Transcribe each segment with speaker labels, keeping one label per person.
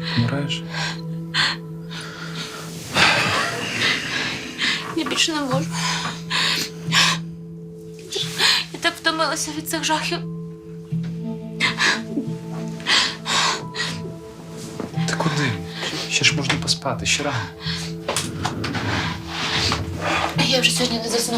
Speaker 1: Помираєш?
Speaker 2: Я більше не можу. Я так втомилася від цих жахів.
Speaker 1: Ти куди? Ще ж можна поспати, ще рано.
Speaker 2: Я вже сьогодні не засну.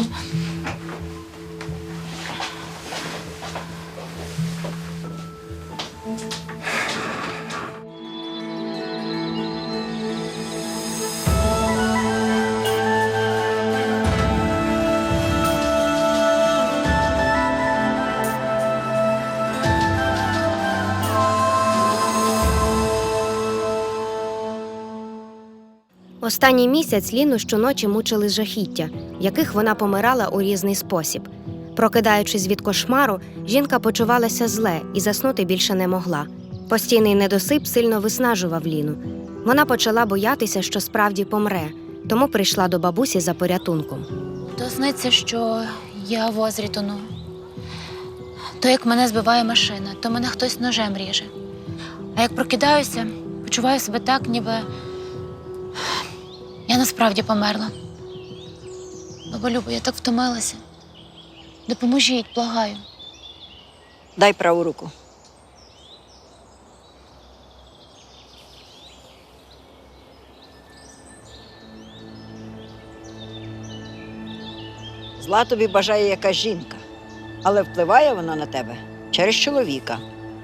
Speaker 3: Останній місяць Ліну щоночі мучили жахіття, в яких вона помирала у різний спосіб. Прокидаючись від кошмару, жінка почувалася зле і заснути більше не могла. Постійний недосип сильно виснажував Ліну. Вона почала боятися, що справді помре, тому прийшла до бабусі за порятунком.
Speaker 2: То сниться, що я в озері тону. То як мене збиває машина, то мене хтось ножем ріже. А як прокидаюся, почуваю себе так, ніби я насправді померла. Баба Люба, я так втомилася. Допоможіть, благаю.
Speaker 4: Дай праву руку. Зла тобі бажає якась жінка, але впливає вона на тебе через чоловіка.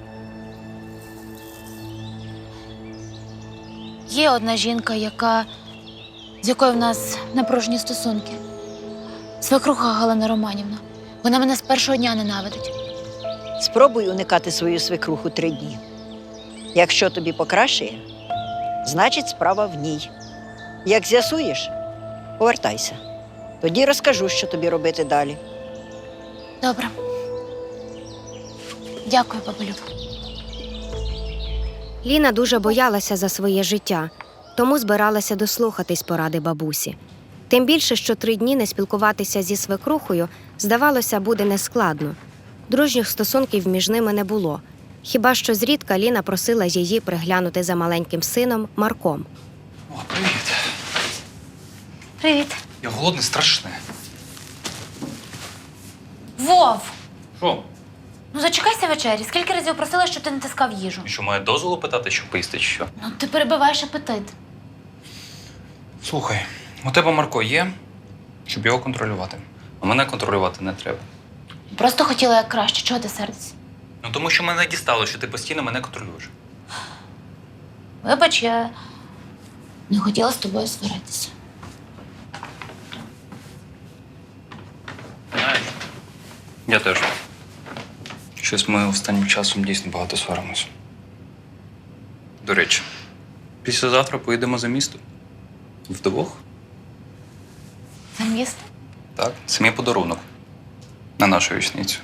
Speaker 2: Є одна жінка, з якою в нас напружені стосунки. Свекруха Галина Романівна. Вона мене з першого дня ненавидить.
Speaker 4: Спробуй уникати свою свекруху 3 дні. Якщо тобі покращає, значить справа в ній. Як з'ясуєш, повертайся. Тоді розкажу, що тобі робити далі.
Speaker 2: Добре. Дякую, баба Люба.
Speaker 3: Ліна дуже боялася за своє життя, тому збиралася дослухатись поради бабусі. Тим більше, що 3 дні не спілкуватися зі свекрухою, здавалося, буде нескладно. Дружніх стосунків між ними не було. Хіба що зрідка Ліна просила її приглянути за маленьким сином Марком.
Speaker 1: О, привіт.
Speaker 2: Привіт.
Speaker 1: Я голодний, страшне.
Speaker 2: Вов!
Speaker 1: Що?
Speaker 2: Ну зачекайся вечері. Скільки разів просила, щоб ти не тискав їжу?
Speaker 1: Що, має дозволу питати, щоб поїсти, чи що?
Speaker 2: Ну ти перебиваєш апетит.
Speaker 1: Слухай, у тебе Марко є, щоб його контролювати. А мене контролювати не треба.
Speaker 2: Просто хотіла як краще. Чого ти сердишся?
Speaker 1: Ну, тому що мене дістало, що ти постійно мене контролюєш.
Speaker 2: Вибач, я не хотіла з тобою сваритися.
Speaker 1: Знаєш, я теж. Щось ми останнім часом дійсно багато сваримося. До речі, післязавтра поїдемо за місто. Вдвох?
Speaker 2: За місто?
Speaker 1: Так, це мій подарунок. На нашу річницю.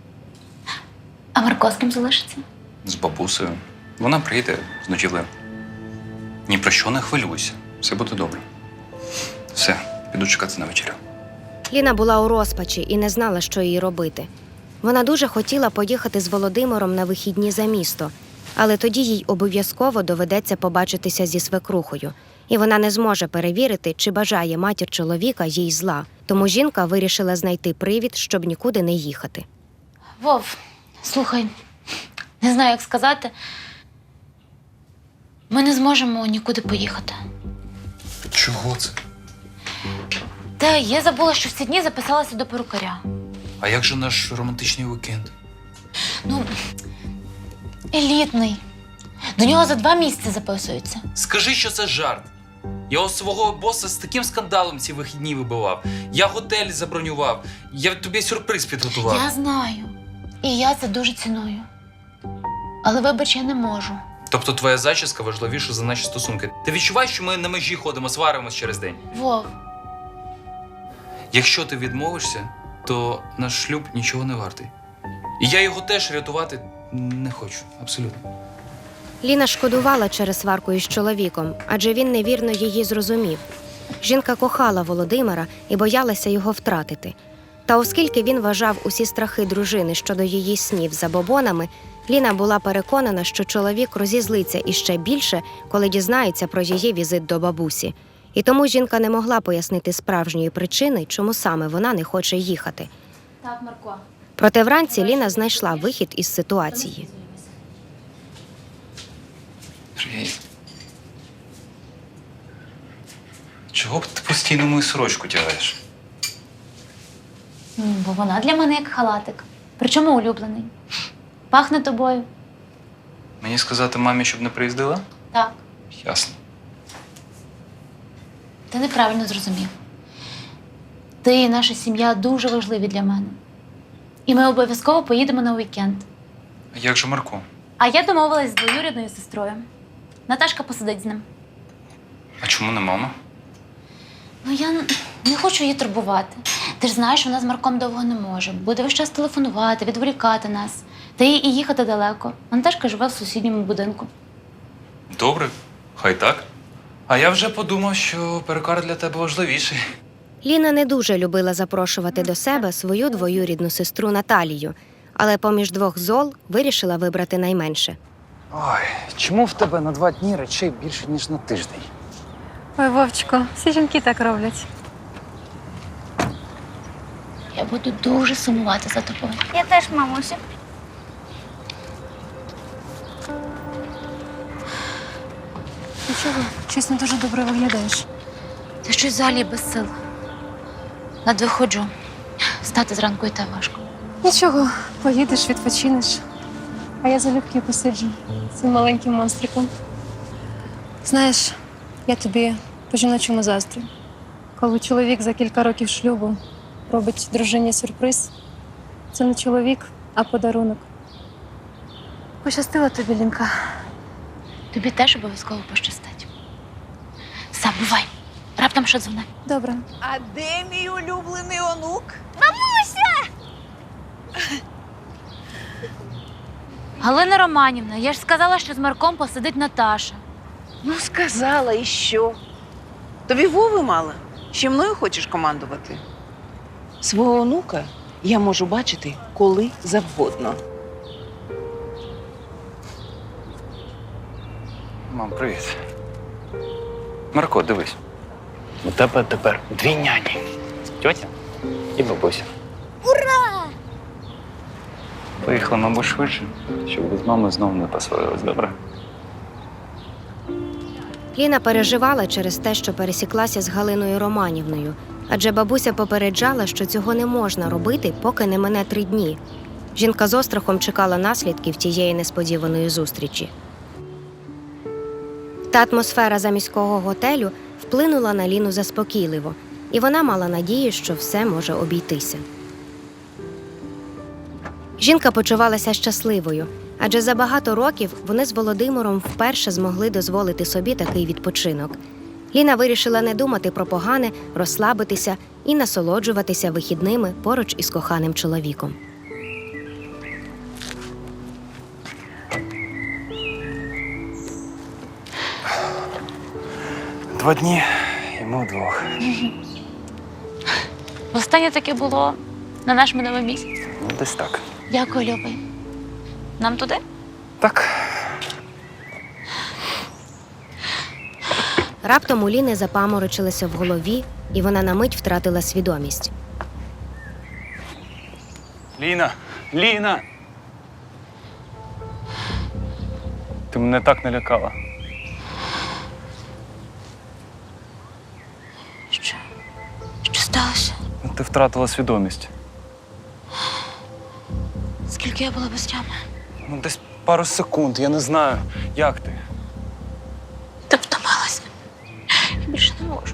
Speaker 2: А Марко з ким залишиться?
Speaker 1: З бабусею. Вона приїде з ночівлею. Ні про що не хвилюйся. Все буде добре. Все, піду чекати на вечерю.
Speaker 3: Ліна була у розпачі і не знала, що їй робити. Вона дуже хотіла поїхати з Володимиром на вихідні за місто, але тоді їй обов'язково доведеться побачитися зі свекрухою, і вона не зможе перевірити, чи бажає матір чоловіка їй зла. Тому жінка вирішила знайти привід, щоб нікуди не їхати.
Speaker 2: Вов, слухай, не знаю, як сказати. Ми не зможемо нікуди поїхати.
Speaker 1: Чого це?
Speaker 2: Та я забула, що в ці дні записалася до перукаря.
Speaker 1: А як же наш романтичний вікенд?
Speaker 2: Ну, елітний. До нього за 2 місяці записуються.
Speaker 1: Скажи, що це жарт. Я у свого боса з таким скандалом ці вихідні вибивав. Я готель забронював. Я тобі сюрприз підготував.
Speaker 2: Я знаю. І я це дуже ціную. Але, вибач, я не можу.
Speaker 1: Тобто твоя зачіска важливіша за наші стосунки. Ти відчуваєш, що ми на межі ходимо, сваримось через день?
Speaker 2: Вов,
Speaker 1: Якщо ти відмовишся, то наш шлюб нічого не вартий. І я його теж рятувати не хочу. Абсолютно.
Speaker 3: Ліна шкодувала через сварку із чоловіком, адже він невірно її зрозумів. Жінка кохала Володимира і боялася його втратити. Та оскільки він вважав усі страхи дружини щодо її снів забобонами, Ліна була переконана, що чоловік розізлиться іще більше, коли дізнається про її візит до бабусі. І тому жінка не могла пояснити справжньої причини, чому саме вона не хоче їхати.
Speaker 2: Так, Марко.
Speaker 3: Проте вранці Ліна знайшла вихід із ситуації.
Speaker 1: Привіт. Чого б ти постійно мою сорочку тягаєш?
Speaker 2: Бо вона для мене як халатик. Причому улюблений. Пахне тобою.
Speaker 1: Мені сказати мамі, щоб не приїздила?
Speaker 2: Так.
Speaker 1: Ясно.
Speaker 2: Ти неправильно зрозумів. Ти і наша сім'я дуже важливі для мене. І ми обов'язково поїдемо на уікенд.
Speaker 1: А як же Марко?
Speaker 2: А я домовилась з двоюрідною сестрою. Наташка посидить з ним.
Speaker 1: А чому не мама?
Speaker 2: Ну, я не хочу її турбувати. Ти ж знаєш, вона з Марком довго не може. Буде весь час телефонувати, відволікати нас. Та їй і їхати далеко. А Наташка живе в сусідньому будинку.
Speaker 1: Добре, хай так. А я вже подумав, що перукар для тебе важливіший.
Speaker 3: Ліна не дуже любила запрошувати до себе свою двоюрідну сестру Наталію, але поміж двох зол вирішила вибрати найменше.
Speaker 5: Ой, чому в тебе на 2 дні речей більше, ніж на тиждень?
Speaker 6: Ой, Вовчику, всі жінки так роблять.
Speaker 2: Я буду дуже сумувати за тобою.
Speaker 7: Я теж, мамусю.
Speaker 6: Нічого, щось не дуже добре виглядаєш.
Speaker 2: Ти щось взагалі без сил. Ледве ходжу. Встати зранку і те важко.
Speaker 6: Нічого, поїдеш, відпочинеш. А я залюбки посиджу з цим маленьким монстриком. Знаєш, я тобі по-жіночому заздрю. Коли чоловік за кілька років шлюбу робить дружині сюрприз, це не чоловік, а подарунок. Пощастила тобі, Лінка.
Speaker 2: Тобі теж обов'язково пощастить. Все, бувай. Раптом що дзвони.
Speaker 6: Добре.
Speaker 8: А де мій улюблений онук?
Speaker 2: Галина Романівна, я ж сказала, що з Марком посидить Наташа.
Speaker 8: Ну, сказала, і що? Тобі Вови мало? Ще мною хочеш командувати? Свого онука я можу бачити коли завгодно.
Speaker 5: Мам, привіт.
Speaker 1: Марко, дивись.
Speaker 5: У тебе тепер 2 няні. Тьотя і бабуся. Ура!
Speaker 1: Поїхала, мабуть, швидше, щоб ви з мамою знову не посварились, добре?
Speaker 3: Ліна переживала через те, що пересіклася з Галиною Романівною, адже бабуся попереджала, що цього не можна робити, поки не мине 3 дні. Жінка з острахом чекала наслідків тієї несподіваної зустрічі. Та атмосфера заміського готелю вплинула на Ліну заспокійливо, і вона мала надію, що все може обійтися. Жінка почувалася щасливою, адже за багато років вони з Володимиром вперше змогли дозволити собі такий відпочинок. Ліна вирішила не думати про погане, розслабитися і насолоджуватися вихідними поруч із коханим чоловіком.
Speaker 5: Два дні і ми вдвох.
Speaker 2: Останнє таке було на наш минулий місяць.
Speaker 5: Ну, десь так.
Speaker 2: Дякую, любий. Нам туди?
Speaker 5: Так.
Speaker 3: Раптом у Ліни запаморочилося в голові, і вона на мить втратила свідомість.
Speaker 5: Ліна! Ліна! Ти мене так налякала.
Speaker 2: Що сталося?
Speaker 5: Ти втратила свідомість.
Speaker 2: Скільки я була без тями?
Speaker 5: Ну, десь пару секунд, я не знаю. Як ти?
Speaker 2: Ти втомилася. Я більше не можу.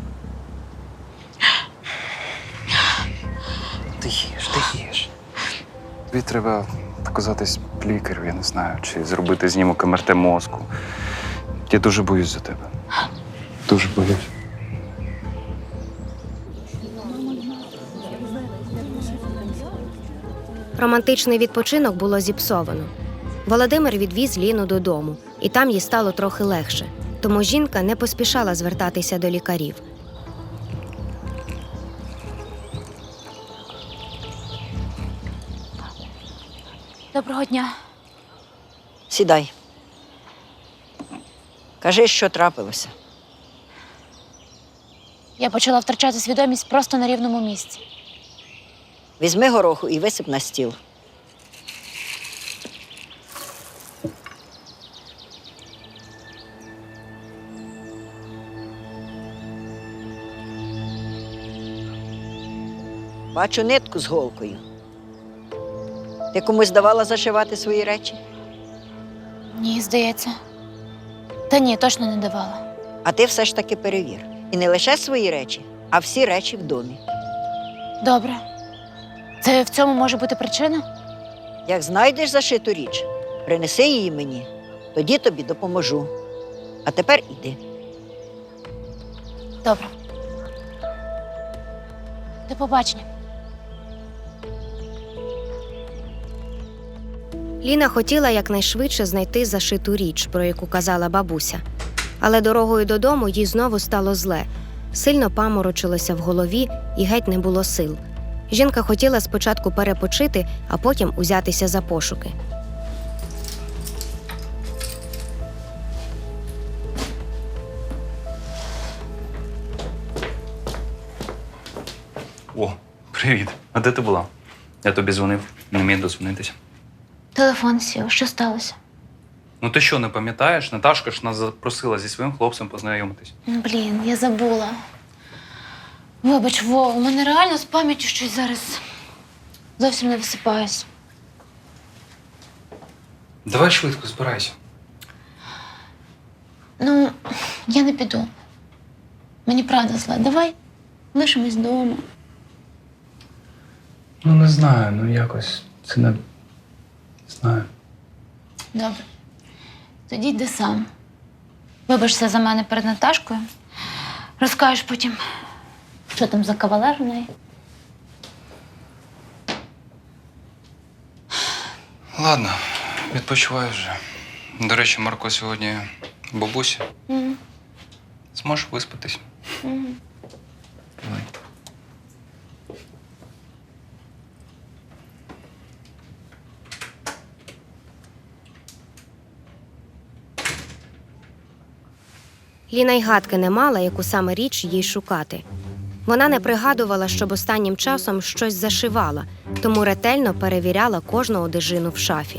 Speaker 5: Ти їж. Тобі треба показатись лікарю, я не знаю, чи зробити знімок МРТ мозку. Я дуже боюсь за тебе. Дуже боюсь.
Speaker 3: Романтичний відпочинок було зіпсовано. Володимир відвіз Ліну додому, і там їй стало трохи легше. Тому жінка не поспішала звертатися до лікарів.
Speaker 2: Доброго дня.
Speaker 4: Сідай. Кажи, що трапилося.
Speaker 2: Я почала втрачати свідомість просто на рівному місці.
Speaker 4: Візьми гороху і висип на стіл. Бачу нитку з голкою. Ти комусь давала зашивати свої речі?
Speaker 2: Ні, здається. Та ні, точно не давала.
Speaker 4: А ти все ж таки перевір. І не лише свої речі, а всі речі в домі.
Speaker 2: Добре. Це в цьому може бути причина?
Speaker 4: Як знайдеш зашиту річ, принеси її мені, тоді тобі допоможу. А тепер іди.
Speaker 2: Добре. До побачення.
Speaker 3: Ліна хотіла якнайшвидше знайти зашиту річ, про яку казала бабуся. Але дорогою додому їй знову стало зле. Сильно паморочилося в голові і геть не було сил. Жінка хотіла спочатку перепочити, а потім узятися за пошуки.
Speaker 1: О, привіт. А де ти була? Я тобі дзвонив, не міг дозвонитися.
Speaker 2: Телефон сів. Що сталося?
Speaker 1: Ну ти що, не пам'ятаєш? Наташка ж нас запросила зі своїм хлопцем познайомитись.
Speaker 2: Блін, я забула. Вибач, Вов, у мене реально з пам'яттю щось зараз зовсім не висипаюсь.
Speaker 1: Давай швидко, збирайся.
Speaker 2: Ну, я не піду. Мені правда зла. Давай лишимось вдома.
Speaker 1: Ну не знаю, ну якось це не знаю.
Speaker 2: Добре. Тоді йди сам. Вибачся за мене перед Наташкою. Розкажеш потім, що там за кавалер у неї.
Speaker 1: Ладно, відпочивай вже. До речі, Марко сьогодні у бабусі.
Speaker 2: Мгм.
Speaker 1: Зможеш виспатись?
Speaker 2: Мгм.
Speaker 1: Давай.
Speaker 3: Ліна й гадки не мала, яку саме річ їй шукати. Вона не пригадувала, щоб останнім часом щось зашивала, тому ретельно перевіряла кожну одежину в шафі.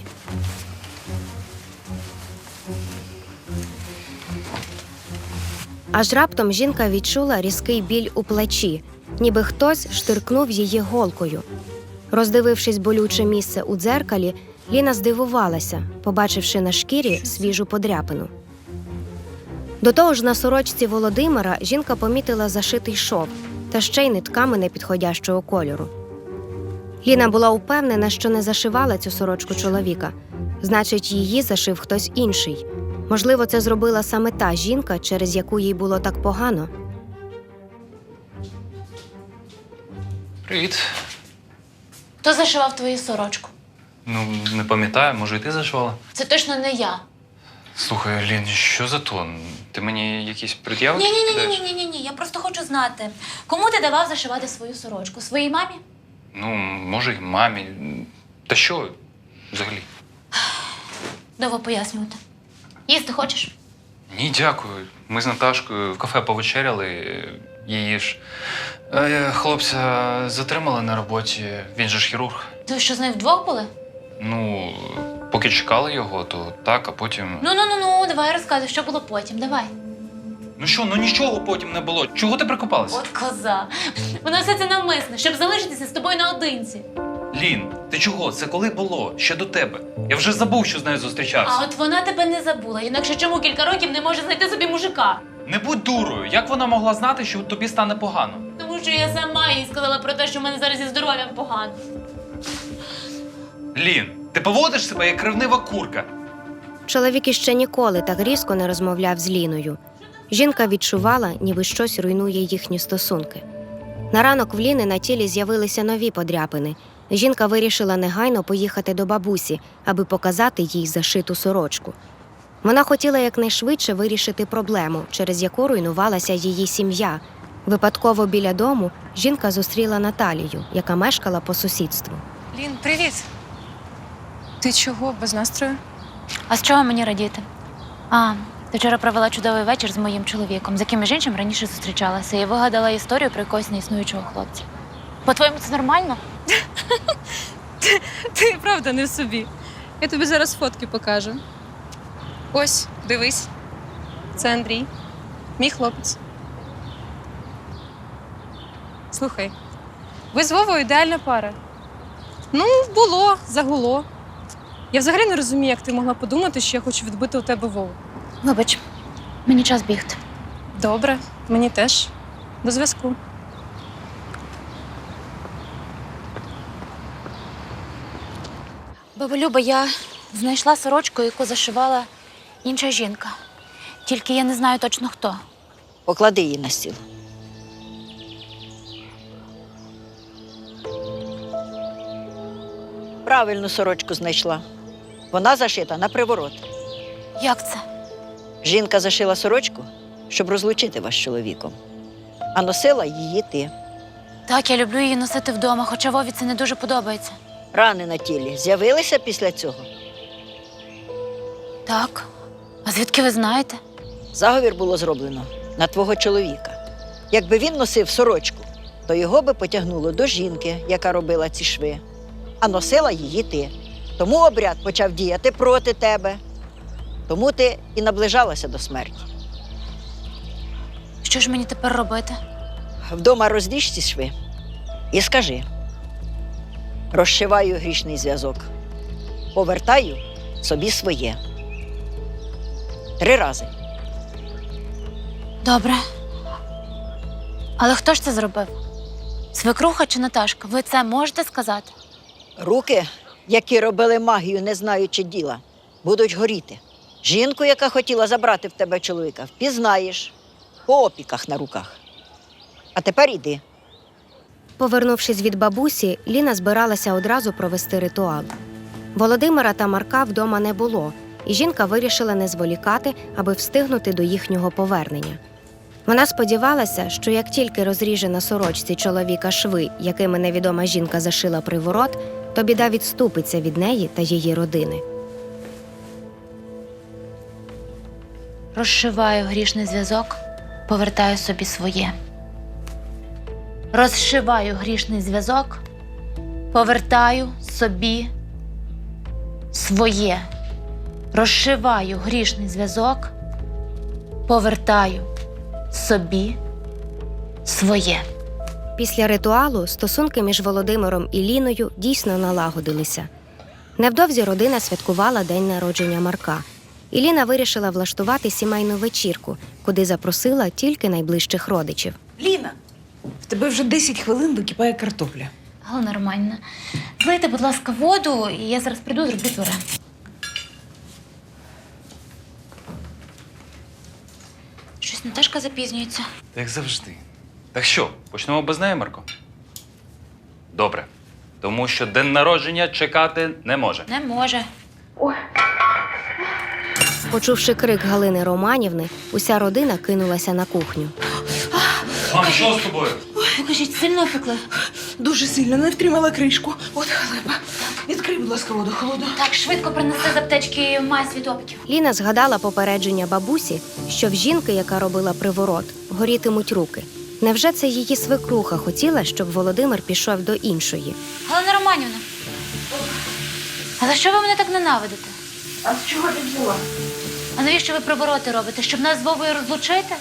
Speaker 3: Аж раптом жінка відчула різкий біль у плечі, ніби хтось штиркнув її голкою. Роздивившись болюче місце у дзеркалі, Ліна здивувалася, побачивши на шкірі свіжу подряпину. До того ж, на сорочці Володимира жінка помітила зашитий шов, та ще й нитками непідходящого кольору. Ліна була упевнена, що не зашивала цю сорочку чоловіка. Значить, її зашив хтось інший. Можливо, це зробила саме та жінка, через яку їй було так погано.
Speaker 1: Привіт.
Speaker 2: Хто зашивав твою сорочку?
Speaker 1: Ну, не пам'ятаю, може, і ти зашивала?
Speaker 2: Це точно не я.
Speaker 1: Слухай, Лін, що за тон? Ти мені якісь пред'яви кидаєш?
Speaker 2: Ні. Я просто хочу знати, кому ти давав зашивати свою сорочку? Своїй мамі?
Speaker 1: Ну, може, і мамі. Та що взагалі?
Speaker 2: Довго пояснювати. Їсти хочеш?
Speaker 1: Ні, дякую. Ми з Наташкою в кафе повечеряли. Її ж хлопця затримали на роботі. Він же ж хірург.
Speaker 2: Ви що, з нею вдвох були?
Speaker 1: Ну, поки чекали його, то так, а потім.
Speaker 2: Ну, давай розказуй, що було потім, давай.
Speaker 1: Ну що, ну нічого потім не було. Чого ти прикопалася?
Speaker 2: От коза. Воно все це навмисне, щоб залишитися з тобою наодинці.
Speaker 1: Лін, ти чого? Це коли було? Ще до тебе. Я вже забув, що з нею зустрічався.
Speaker 2: А от вона тебе не забула, інакше чому кілька років не може знайти собі мужика?
Speaker 1: Не будь дурою. Як вона могла знати, що тобі стане погано?
Speaker 2: Тому що я сама їй сказала про те, що в мене зараз зі здоров'ям погано.
Speaker 1: Лін, ти поводиш себе як ревнива курка.
Speaker 3: Чоловік іще ніколи так різко не розмовляв з Ліною. Жінка відчувала, ніби щось руйнує їхні стосунки. На ранок в Ліни на тілі з'явилися нові подряпини. Жінка вирішила негайно поїхати до бабусі, аби показати їй зашиту сорочку. Вона хотіла якнайшвидше вирішити проблему, через яку руйнувалася її сім'я. Випадково біля дому жінка зустріла Наталію, яка мешкала по сусідству.
Speaker 6: Лін, привіт. Ти чого без настрою?
Speaker 2: А з чого мені радіти? Ти вчора провела чудовий вечір з моїм чоловіком, з яким між іншим раніше зустрічалася, і вигадала історію про якогось неіснуючого хлопця. По-твоєму, це нормально?
Speaker 6: Ти правда не в собі. Я тобі зараз фотки покажу. Ось, дивись. Це Андрій, мій хлопець. Слухай, ви з Вовою ідеальна пара. Ну, було, загуло. Я взагалі не розумію, як ти могла подумати, що я хочу відбити у тебе Вову.
Speaker 2: Вибач, мені час бігти.
Speaker 6: Добре, мені теж. До зв'язку.
Speaker 2: Баба Люба, я знайшла сорочку, яку зашивала інша жінка. Тільки я не знаю точно хто.
Speaker 4: Поклади її на стіл. Правильну сорочку знайшла. Вона зашита на приворот.
Speaker 2: Як це?
Speaker 4: Жінка зашила сорочку, щоб розлучити вас з чоловіком. А носила її ти.
Speaker 2: Так, я люблю її носити вдома, хоча Вові це не дуже подобається.
Speaker 4: Рани на тілі з'явилися після цього?
Speaker 2: Так. А звідки ви знаєте?
Speaker 4: Заговір було зроблено на твого чоловіка. Якби він носив сорочку, то його би потягнуло до жінки, яка робила ці шви. А носила її ти. Тому обряд почав діяти проти тебе. Тому ти і наближалася до смерті.
Speaker 2: Що ж мені тепер робити?
Speaker 4: Вдома розріж ці шви і скажи: розшиваю грішний зв'язок, повертаю собі своє. 3 рази.
Speaker 2: Добре. Але хто ж це зробив? Свекруха чи Наташка? Ви це можете сказати?
Speaker 4: Руки, які робили магію, не знаючи діла, будуть горіти. Жінку, яка хотіла забрати в тебе чоловіка, впізнаєш по опіках на руках. А тепер іди.
Speaker 3: Повернувшись від бабусі, Ліна збиралася одразу провести ритуал. Володимира та Марка вдома не було, і жінка вирішила не зволікати, аби встигнути до їхнього повернення. Вона сподівалася, що як тільки розріже на сорочці чоловіка шви, якими невідома жінка зашила приворот, то біда відступиться від неї та її родини.
Speaker 2: Розшиваю грішний зв'язок, повертаю собі своє. Розшиваю грішний зв'язок, повертаю собі своє. Розшиваю грішний зв'язок, повертаю собі своє.
Speaker 3: Після ритуалу стосунки між Володимиром і Ліною дійсно налагодилися. Невдовзі родина святкувала день народження Марка, і Ліна вирішила влаштувати сімейну вечірку, куди запросила тільки найближчих родичів.
Speaker 7: Ліна, в тебе вже 10 хвилин википає картопля.
Speaker 2: Галина Романівна, злийте, будь ласка, воду, і я зараз прийду, зроблю пюре. Щось Наташка запізнюється.
Speaker 1: Як завжди. Так що, почнемо без неї, Марко? Добре. Тому що день народження чекати не може.
Speaker 2: Не може.
Speaker 3: Почувши крик Галини Романівни, уся родина кинулася на кухню.
Speaker 1: Мам, що з тобою?
Speaker 2: Покажіть, сильно опекли?
Speaker 7: Дуже сильно не втримала кришку. От халепа. Відкрий, будь ласка, воду холодну.
Speaker 2: Так, швидко принеси з аптечки мазь від опіків.
Speaker 3: Ліна згадала попередження бабусі, що в жінки, яка робила приворот, горітимуть руки. Невже це її свекруха хотіла, щоб Володимир пішов до іншої?
Speaker 2: Галина Романівна, а за що ви мене так ненавидите?
Speaker 7: А з чого ти взяла?
Speaker 2: А навіщо ви привороти робите? Щоб нас з Вовою розлучити?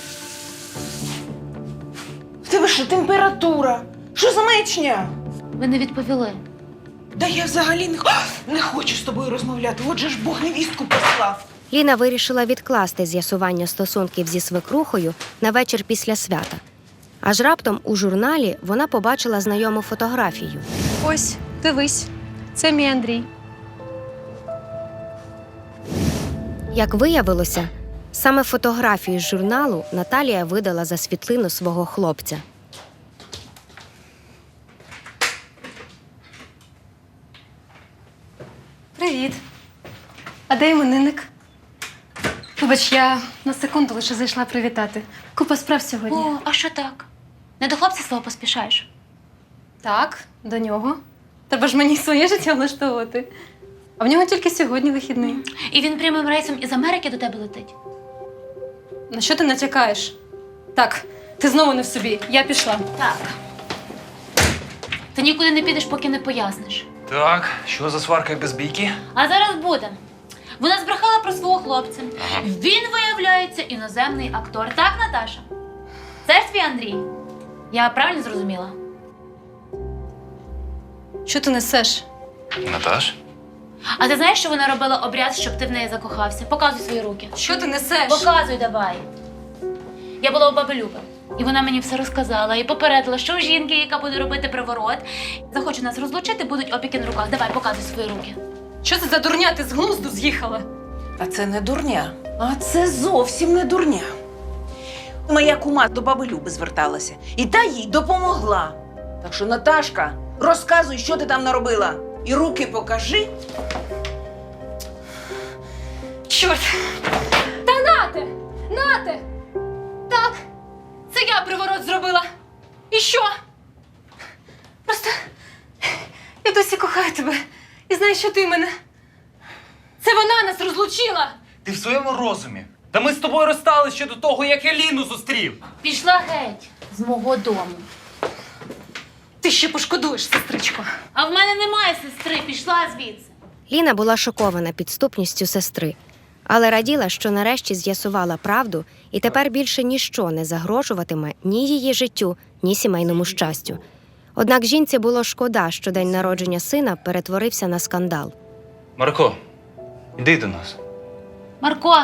Speaker 7: В тебе що, температура? Що за маячня?
Speaker 2: Ви не відповіли.
Speaker 7: Да я взагалі не хочу з тобою розмовляти. Отже ж Бог невістку послав.
Speaker 3: Ліна вирішила відкласти з'ясування стосунків зі свекрухою на вечір після свята. Аж раптом у журналі вона побачила знайому фотографію.
Speaker 6: Ось, дивись. Це мій Андрій.
Speaker 3: Як виявилося, саме фотографію з журналу Наталія видала за світлину свого хлопця.
Speaker 6: Привіт. А де іменинник? Вибач, я на секунду лише зайшла привітати. Купа справ сьогодні.
Speaker 2: О, а що так? Не до хлопця свого поспішаєш?
Speaker 6: Так, до нього. Треба ж мені своє життя влаштовувати. А в нього тільки сьогодні вихідний.
Speaker 2: І він прямим рейсом із Америки до тебе летить.
Speaker 6: На що ти натякаєш? Так, ти знову не в собі. Я пішла.
Speaker 2: Так. Ти нікуди не підеш, поки не поясниш.
Speaker 5: Так, що за сварка як без бійки?
Speaker 2: А зараз буде. Вона збрехала про свого хлопця. Він, виявляється, іноземний актор. Так, Наташа? Це ж твій Андрій. Я правильно зрозуміла?
Speaker 6: Що ти несеш?
Speaker 5: Наташ?
Speaker 2: А ти знаєш, що вона робила обряд, щоб ти в неї закохався? Показуй свої руки.
Speaker 6: Що ти несеш?
Speaker 2: Показуй давай. Я була у баби Люби. І вона мені все розказала і попередила, що у жінки, яка буде робити приворот, захоче нас розлучити, будуть опіки на руках. Давай, показуй свої руки.
Speaker 6: Що це за дурня? Ти з глузду з'їхала?
Speaker 8: А це не дурня. А це зовсім не дурня. Моя кума до баби Люби зверталася. І та їй допомогла. Так що, Наташка, розказуй, що ти там наробила. І руки покажи.
Speaker 6: Чорт! Та нате! Нате! Так, це я приворот зробила. І що? Просто я досі кохаю тебе. І знаю, що ти мене. Це вона нас розлучила.
Speaker 9: Ти в своєму розумі? Та ми з тобою розстались ще до того, як я Ліну зустрів.
Speaker 2: Пішла геть з мого дому.
Speaker 6: Ти ще пошкодуєш, сестричко.
Speaker 2: А в мене немає сестри, пішла звідси.
Speaker 3: Ліна була шокована підступністю сестри, але раділа, що нарешті з'ясувала правду, і тепер більше ніщо не загрожуватиме ні її життю, ні сімейному щастю. Однак жінці було шкода, що день народження сина перетворився на скандал.
Speaker 5: Марко, іди до нас.
Speaker 2: Марко,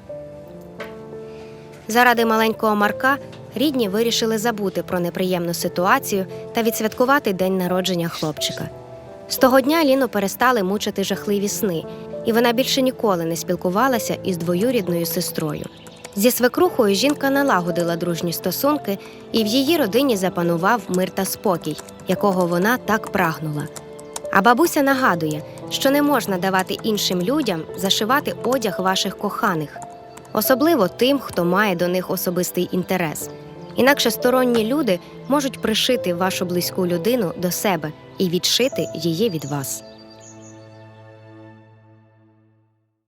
Speaker 3: Заради маленького Марка рідні вирішили забути про неприємну ситуацію та відсвяткувати день народження хлопчика. З того дня Ліну перестали мучити жахливі сни, і вона більше ніколи не спілкувалася із двоюрідною сестрою. Зі свекрухою жінка налагодила дружні стосунки, і в її родині запанував мир та спокій, якого вона так прагнула. А бабуся нагадує, що не можна давати іншим людям зашивати одяг ваших коханих, особливо тим, хто має до них особистий інтерес. Інакше сторонні люди можуть пришити вашу близьку людину до себе і відшити її від вас.